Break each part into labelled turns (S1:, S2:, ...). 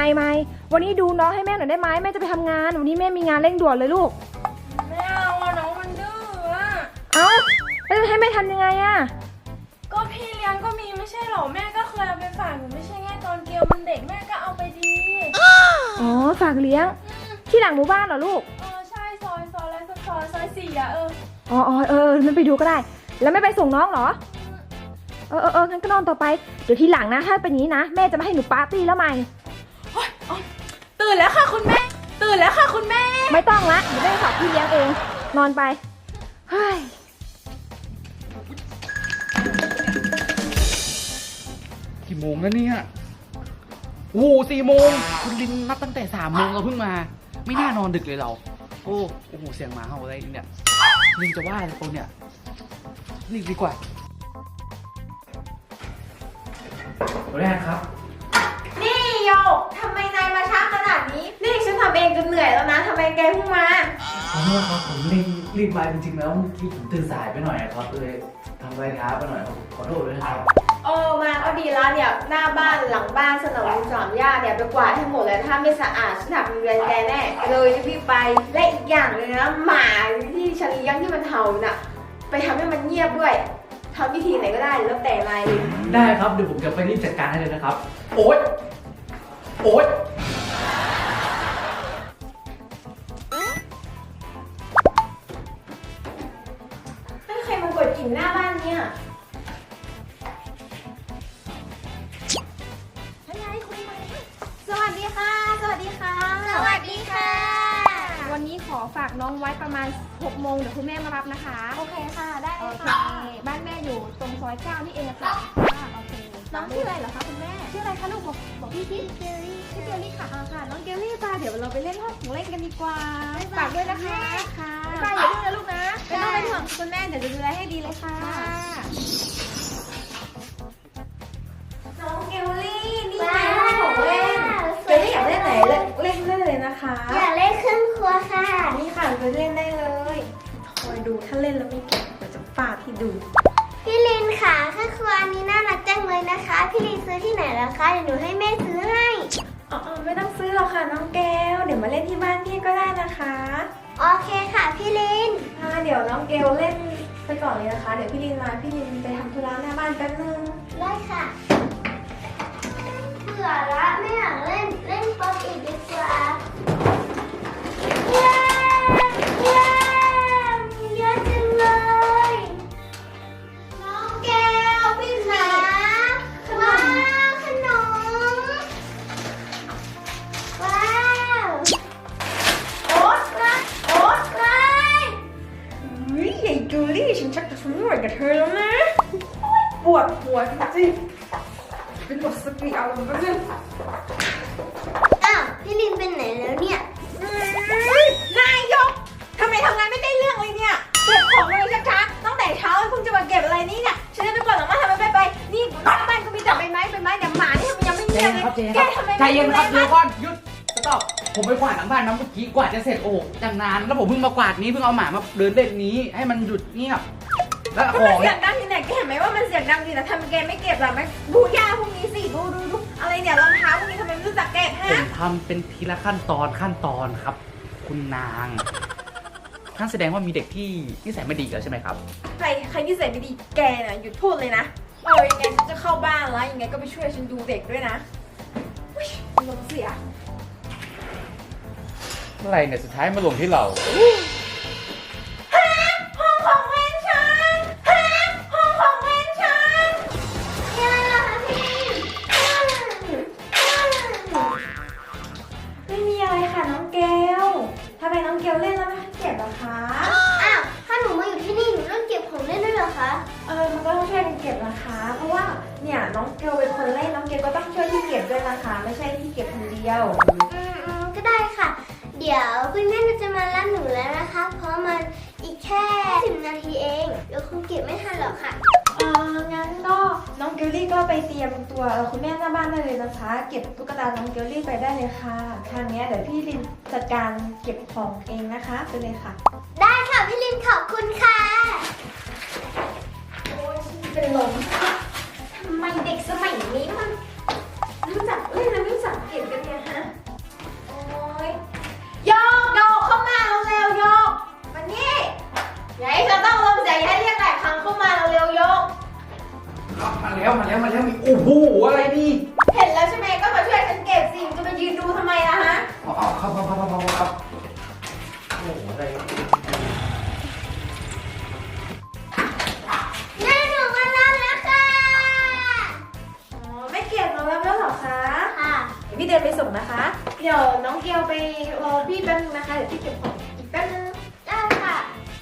S1: ไม่วันนี้ดูน้องให้แม่หน่อยได้ไหมแม่จะไปทำงานวันนี้แม่มีงานเร่งด่วนเลยลูก
S2: ไม่เอาอะน้องมันดื้ออะ
S1: เอ้าแล้วจะให้แม่ทำยังไงอะ
S2: ก็พี่เลี้ยงก็มีไม่ใช่หรอแม่ก็เคยเอาไปฝากหนูไม่ใช่ไงตอนเกลมันเด็กแม่ก็เอาไปดี
S1: อ๋อฝากเลี้ยงที่หลังหมู่บ้านเหรอลูก
S2: ใช่ซอยแล้วซอย4อะ
S1: อ๋อมันไปดูก็ได้แล้วไม่ไปส่งน้องเหรองั้นก็นอนต่อไปเดี๋ยวทีหลังนะถ้าเป็นอย่างนี้นะแม่จะไม่ให้หนูปาร์ตี้แล้วใหม่
S2: ตื่นแล้วค่ะคุณแม่ตื่นแล้วค่ะคุณแม่
S1: ไม่ต้องละเดี๋ยวแม่ฝากพี่เลี้ยงเองนอนไปเฮ้ย
S3: กี่โมงแล้วเนี่ยโอ้4 โมงคุณลินนับตั้งแต่3 โมงเราเพิ่งมาไม่น่านอนดึกเลยเราโอ้โหเสียงหมาเห่าอะไรเนี่ยลินจะว่าอะไรตัวเนี่ยรีบดีกว่าแรกครับ
S2: นี่โยกทำไมนายมาช้าขนาดนี้นี่ฉันทำเองจนเหนื่อยแล้วนะทำไมแกเพิ่งมา
S3: ขอโทษครับผมรีบมาจริงๆแล้วที่ผมตื่นสายไปหน่อยครับเลยทำอะไรช้าไปหน่อยขอโทษด้วยนะครับ
S2: มาก็ดีแล้วเนี่ยหน้าบ้านหลังบ้านสนามสามย่าเนี่ยไปกวาดให้หมดเลยถ้าไม่สะอาดฉันหักเงินแกแน่เลยรีบไปและอีกอย่างเลยนะหมาที่ฉันเลี้ยงที่มันเห่าน่ะไปทำให้มันเงียบด้วยทำวิธีไหนก็ได้แล้วแต่นาย
S3: ได้ครับเดี๋ยวผมจะไปรีบจัดการให้เลยนะครับโอ๊ย
S2: ใครมากดกิ่งหน้าบ้านเนี่ยสวัสดีค่ะสวัสดีค่ะ
S1: สวัสดีค่ะวันนี้ขอฝากน้องไว้ประมาณ6 โมงเดี๋ยวคุณแม่มารับนะคะ
S2: โอเคค่ะได้
S1: โอเคบ้านแม่อยู่ตรงซอย9นี่เองค่ะโอเค
S2: น้องชื่ออะไรเหรอคะคุณแม่
S1: ชื่ออะไรคะลูกบอกพี่ชื่อเกลลี่ค่ะค่ะน้องเกลลี่ป่ะเดี๋ยวเราไปเล่นห้องของเล่นกันดีกว่าฝากด้วยนะคะ
S2: ค่ะ
S1: ไปอย่าดื้อนะลูกนะ
S2: ไม่ต้องเป็นห่วงคุณแม่เดี๋ยวจะดูแลให้ดีเลยค่ะน้องเกลลี่นี่ไงห้องของเล่นเกลลี่อยากเล่นไหนเล่นเลยนะคะ
S4: อยากเล่นเครื่องครัวค่ะ
S2: นี่ค่ะไปเล่นได้เลยคอยดูถ้าเล่นแล้วไม่เก่งเดี๋ยวจะฟาดให้ดู
S4: พี่ลินค่ะเครื่องครัวนี้น่ารักจังเลยนะคะพี่ลินซื้อที่ไหนล่ะคะเดี๋ยวหนูให้แม่ซื้อให้
S2: ไม่ต้องซื้อหรอกค่ะน้องแก้วเดี๋ยวมาเล่นที่บ้านพี่ก็ได้นะคะ
S4: โอเคค่ะพี่ลิน
S2: เดี๋ยวน้องเกลเล่นไปก่อนเลยนะคะเดี๋ยวพี่ลินมาพี่ลินไปทำธุระหน้าบ้านแป๊บนึง
S4: ได้ค่ะเบื่อละไม่อยากเล่นป๊อปอีกดีกว่าเย้เยอะจังเลยน้องแก้วพี่ขาว้าวขนมว้าว
S2: โอ๊ต
S4: ว้าย
S2: ใหญ่จูลี่ฉันชักจะทนไม่ไหวกับเธอแล้วนะปวดหัวจริงๆเป็นหมดสติเอาแป๊บนึง
S4: พี่ลินเป็นไหนแล้วเนี่ย
S2: นายยกทำไมทำงานไม่ได้เรื่องเลยเนี่ยเก็บของเลยช้าๆตั้งแต่เช้าเพิ่งจะมาเก็บอะไรนี่เนี่ยฉันจะไปกวาดหลังบ้านทำไมไปนี่หน้าบ้านก็มีแต่ใบไม้เดี๋ยวหมานี่มันยังไม่เงียบเลยแกทำไม
S3: ใจเย็นครับเดี๋ยวก่อนหยุดสต็อปผมไปกวาดหลังบ้านน้ำเมื่อกี้กวาดจะเสร็จโอ้จังนานแล้วผมเพิ่งมากวาดนี้เพิ่งเอาหมามาเดินเล่นนี้ให้มันหยุดเงียบแล้วของ
S2: เสียงดังที่ไหนแกเห็นไหมว่ามันเสียงดังดีแต่ทำแกไม่เก็บหรอไหมดูหญ้าพวกนี้สิดูอะไรเนี่ยรองเท้าพวกนี้ทำไมไม่รู้จักเก็บฮะ
S3: ผมทำเป็นทีละขั้นตอนครับคุณนางท่านแสดงว่ามีเด็กที่นิสัยไม่ดีแล้วใช่ไหมครับ
S2: ใครนิสัยไม่ดีแกน่ะหยุดพูดเลยนะยังไงฉันจะเข้าบ้านแล้วยังไงก็ไปช่วยฉันดูเด็กด้วยนะลงเสีย
S3: อะไรเนี่ยสุดท้ายมาลงที่เรา
S2: ห้องของเล่นฉันห้องของเล่นฉันไม่มีอะไรค่ะน้องเกลทำไมน้องเกลเล่นแล้วไม่เจ็บหรอคะ
S4: ถ้าหนูมาอยู่ที่นี่หนูต้องเก็บของเล่นด้วยเหรอคะ
S2: มันก็ต้องช่วยกันเก็บนะคะเพราะว่าเนี่ยน้องเกลเป็นคนเล่นน้องเกลก็ต้องช่วยพี่เก็บด้วยนะคะไม่ใช่พี่เก็บคนเดียว
S4: ก็ได้ค่ะเดี๋ยวคุณแม่จะมารับหนูแล้วนะคะเพราะมันอีกแค่10 นาทีเองเดี๋ยวคงเก็บไม่ทันหรอกค่ะ
S2: งั้นก็น้องเกลลี่ก็ไปเตรียมตัวคุณแม่หน้าบ้านได้เลยนะคะเก็บตุ๊กตาน้องเกลลี่ไปได้เลยค่ะทางนี้เดี๋ยวพี่ลินจัดการเก็บของเองนะคะไปเลยค่ะ
S4: ได้ค่ะพี่ลินขอบคุณค่ะ
S2: โอ้ยเป็นลมทำไมเด็กสมัยนี้มันรู้จักเล่นแล้วไม่รู้จักเก็บกันเนี่ยฮะนะคะ เดี๋ยวน้องเกลไปรอพี่แป๊บนึงนะคะ เดี๋ยวพี่เก็บของอีกแป๊บนึง
S4: ได้ค่ะ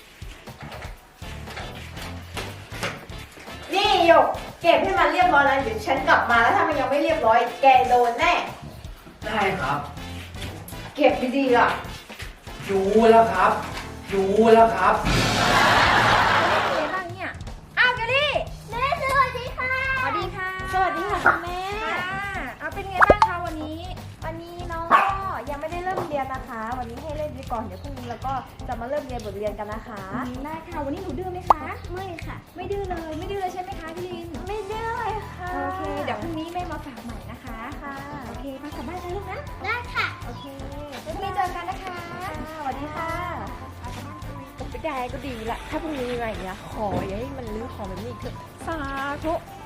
S2: นี่หยกเก็บให้มันเรียบร้อยแล้วเดี๋ยวฉันกลับมาแล้วถ้ามันยังไม่เรียบร้อย แกโดนแน่
S3: ได้ครับ
S2: เก็บดีๆล่ะ
S3: รู้แล้วครับรู้แล้วครับ
S1: เป็นไงบ้างเนี่ย อ้าวเกลลี่
S4: แม่สวัสดีค่ะ
S1: สวัสดีค่ะ
S2: สวัสดีค่ะคุณแม่
S1: เอาเป็นไงบ้างคะวันนี้
S5: วันนี้น้องก็ยังไม่ได้เริ่มเรียนนะคะ วันนี้ให้เล่นไปก่อน เดี๋ยวพรุ่งนี้เราก็จะมาเริ่มเรียนบทเรียนกันนะคะ
S1: ได้ค่ะ วันนี้หนูดื้อไหมคะ
S4: ไม่ค่ะ
S1: ไม่ดื้อเลย ไม่ดื้อเลยใช่ไหมคะพี่ลิน
S5: ไม่ดื้อเลยค่ะ
S1: โอเค เดี๋ยวพรุ่งนี้แม่มาฝากใหม่นะคะ
S5: ค่ะ
S1: โอเค มากลับบ้านนะลูกนะ
S4: ได้ค่ะ
S5: โอเค
S1: พรุ่งนี้เจอกันนะคะ
S5: สวัสดีค่ะก็ไม่ได้ก็ดีละ ถ้าพรุ่งนี้มีอะไรอย่างเงี้ยขออย่าให้มันรื้อของแบบนี้อีกเถอะ
S1: สาธุ